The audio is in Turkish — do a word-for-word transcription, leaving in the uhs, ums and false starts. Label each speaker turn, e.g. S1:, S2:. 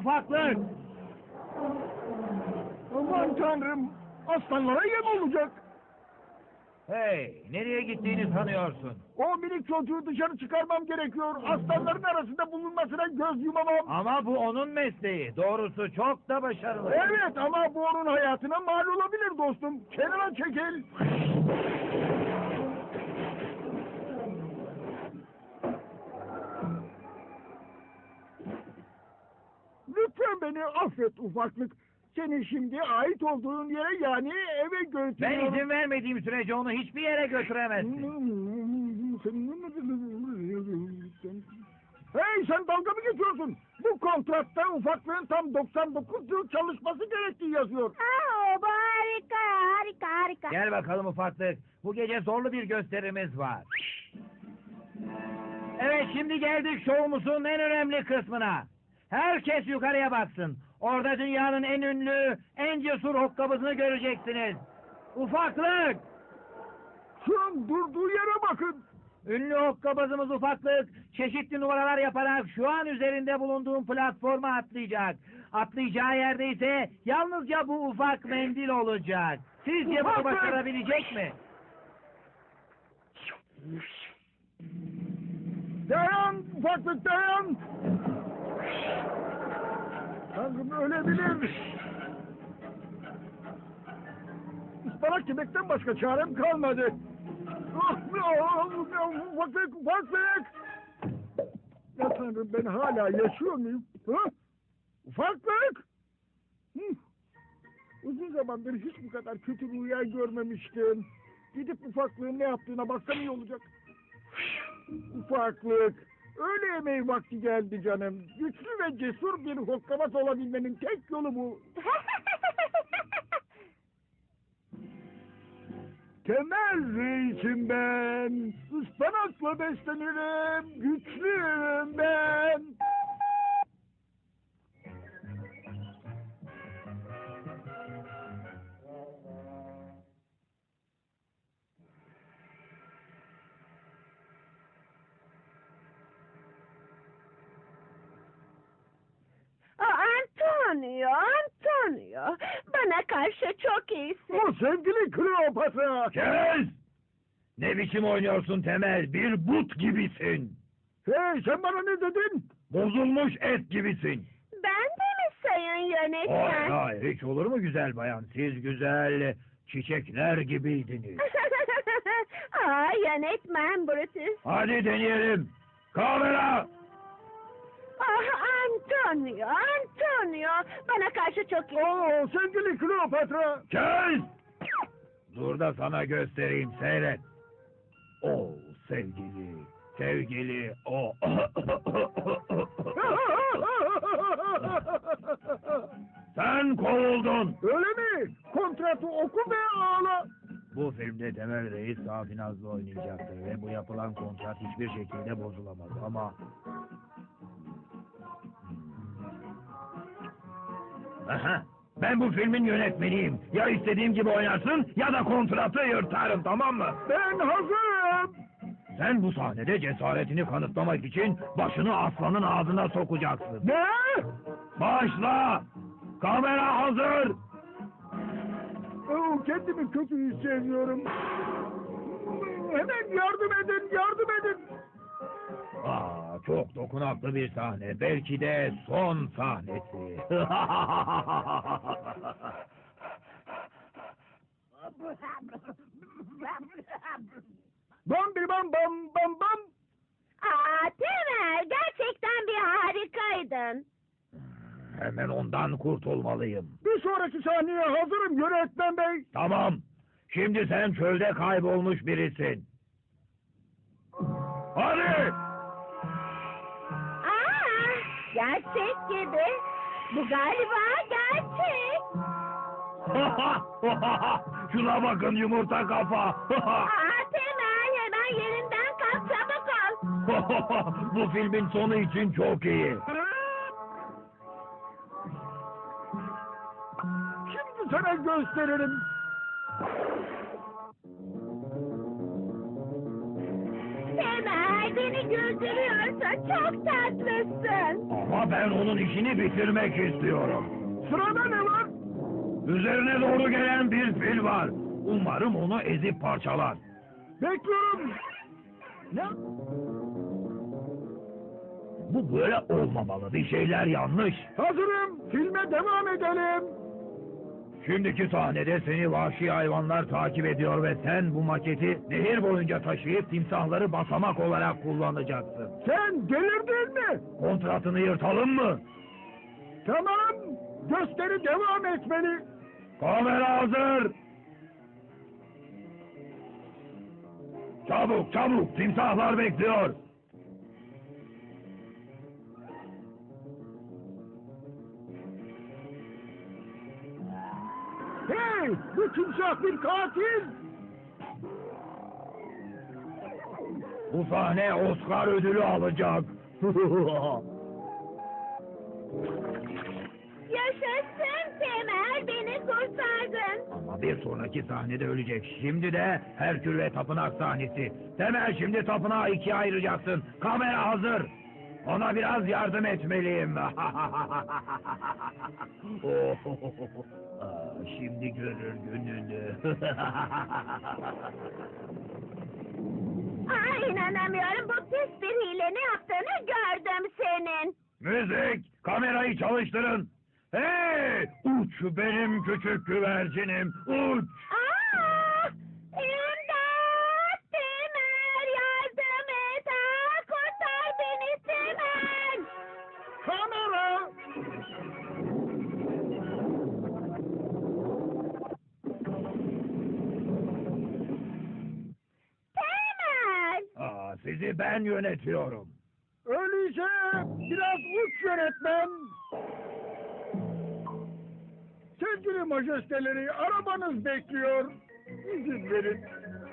S1: ufaklık.
S2: Aman tanrım, aslanlara yem olacak.
S1: Hey, nereye gittiğini sanıyorsun?
S2: O minik çocuğu dışarı çıkarmam gerekiyor. Aslanların arasında bulunmasına göz yumamam.
S1: Ama bu onun mesleği. Doğrusu çok da başarılı.
S2: Evet ama bu onun hayatına mal olabilir dostum. Kenara çekil. Lütfen beni affet ufaklık. Seni şimdi ait olduğun yere yani eve
S1: Ben
S2: götürüyorum.
S1: izin vermediğim sürece onu hiçbir yere götüremezsin.
S2: Hey sen dalga mı geçiyorsun? Bu kontratta ufaklığın tam doksan dokuz yıl çalışması gerektiği yazıyor.
S3: Aa, bu harika, harika, harika.
S1: Gel bakalım ufaklık. Bu gece zorlu bir gösterimiz var. Evet, şimdi geldik şovumuzun en önemli kısmına. Herkes yukarıya baksın. Orada dünyanın en ünlü, en cesur hokkabızını göreceksiniz. Ufaklık!
S2: Şu an durduğu yere bakın.
S1: Ünlü hokkabazımız ufaklık, çeşitli numaralar yaparak şu an üzerinde bulunduğum platforma atlayacak. Atlayacağı yerde ise yalnızca bu ufak mendil olacak. Sizce bunu
S2: Ufaklık!
S1: başarabilecek mi?
S2: Dayan ufaklık dayan. Tanrım ölebilir. Ispanak yemekten başka çarem kalmadı. Ah, ah, ah, Ufaklık ufaklık. Ya Tanrım ben hala yaşıyor muyum? Ha? Ufaklık. Hı. Uzun zamandır hiç bu kadar kötü rüya görmemiştim. Gidip ufaklığın ne yaptığına baksam iyi olacak. Ufaklık. Öğle yemeği vakti geldi canım. Güçlü ve cesur bir hokkabaz olabilmenin tek yolu bu. Temel reisim ben. Ispanakla beslenirim. Güçlüyüm ben.
S3: Aa, Antonio, Antonio. Bana karşı çok iyisin.
S2: O sevgili Kleopatra.
S1: Kes! Ne biçim oynuyorsun Temel? Bir but gibisin.
S2: Hey sen bana ne dedin?
S1: Bozulmuş et gibisin.
S3: Ben de mi sayın yönetmen?
S1: Hayır, hayır, hiç olur mu güzel bayan? Siz güzel çiçekler gibiydiniz.
S3: Aa, yönetmen Brutus.
S1: Hadi deneyelim. Kamera!
S3: Ah, Antonio, Antonio. Bana karşı çok iyi.
S2: Oo sevgili Kleopatra.
S1: Kes! Dur da sana göstereyim, seyret. O sevgili, sevgili, o. Sen kovuldun.
S2: Öyle mi? Kontratı oku ve ağla.
S1: Bu filmde Temel Reis Safinaz'la oynayacaktır ve bu yapılan kontrat hiçbir şekilde bozulamaz ama... Aha, ben bu filmin yönetmeniyim. Ya istediğim gibi oynarsın ya da kontratı yırtarım, tamam mı?
S2: Ben hazırım.
S1: Sen bu sahnede cesaretini kanıtlamak için başını aslanın ağzına sokacaksın.
S2: Ne?
S1: Başla! Kamera hazır!
S2: Oo, kendimi kötü hissediyorum. Hemen yardım edin, yardım edin.
S1: Aa, çok dokunaklı bir sahne. Belki de son sahnesi.
S2: Bam bir bam bam bam bam.
S3: Aa, Temel, gerçekten bir harikaydın.
S1: Hemen ondan kurtulmalıyım.
S2: Bir sonraki sahneye hazırım yönetmen bey.
S1: Tamam. Şimdi sen çölde kaybolmuş birisin. Hadi!
S3: Aa, gerçek gibi. Bu galiba gerçek.
S1: Şuna bakın yumurta kafa.
S3: Aa, Temel, hemen yerinden kalk, çabuk ol.
S1: Bu filmin sonu için çok iyi.
S2: Şimdi sana gösteririm.
S3: Temel, beni güldürüyorsa çok tatlısın.
S4: Ama ben onun işini bitirmek istiyorum.
S2: Sırada ne var?
S4: Üzerine doğru gelen bir fil var. Umarım onu ezip parçalar.
S2: Bekliyorum. Ne?
S4: Bu böyle olmamalı. Bir şeyler yanlış.
S2: Hazırım. Filme devam edelim.
S4: Şimdiki sahnede seni vahşi hayvanlar takip ediyor ve sen bu maketi nehir boyunca taşıyıp timsahları basamak olarak kullanacaksın.
S2: Sen delirdin mi?
S4: Kontratını yırtalım mı?
S2: Tamam. Gösteri devam etmeli.
S4: Kamera hazır. Çabuk çabuk timsahlar bekliyor.
S2: Hey! Bu timsah bir katil.
S4: Bu sahne Oscar ödülü alacak.
S3: Yaşasın Temel, beni kurtardın.
S4: Ama bir sonraki sahnede ölecek. Şimdi de Herkül ve Tapınak sahnesi. Temel şimdi tapınağı ikiye ayıracaksın. Kamera hazır. Ona biraz yardım etmeliyim. Aa, şimdi görür gününü.
S3: Aa, inanamıyorum, bu pis bir hile, ne yaptığını gördüm senin.
S4: Müzik, kamerayı çalıştırın. Hey, uç benim küçük güvercinim, uç.
S3: Aa, İmdat! Temel, yardım et! Aa, kurtar beni Temel!
S2: Kamera.
S3: Temel!
S4: Aa, sizi ben yönetiyorum.
S2: Öyleyse biraz uç yönetmen. Sevgili majesteleri, arabanız bekliyor. İzin verin.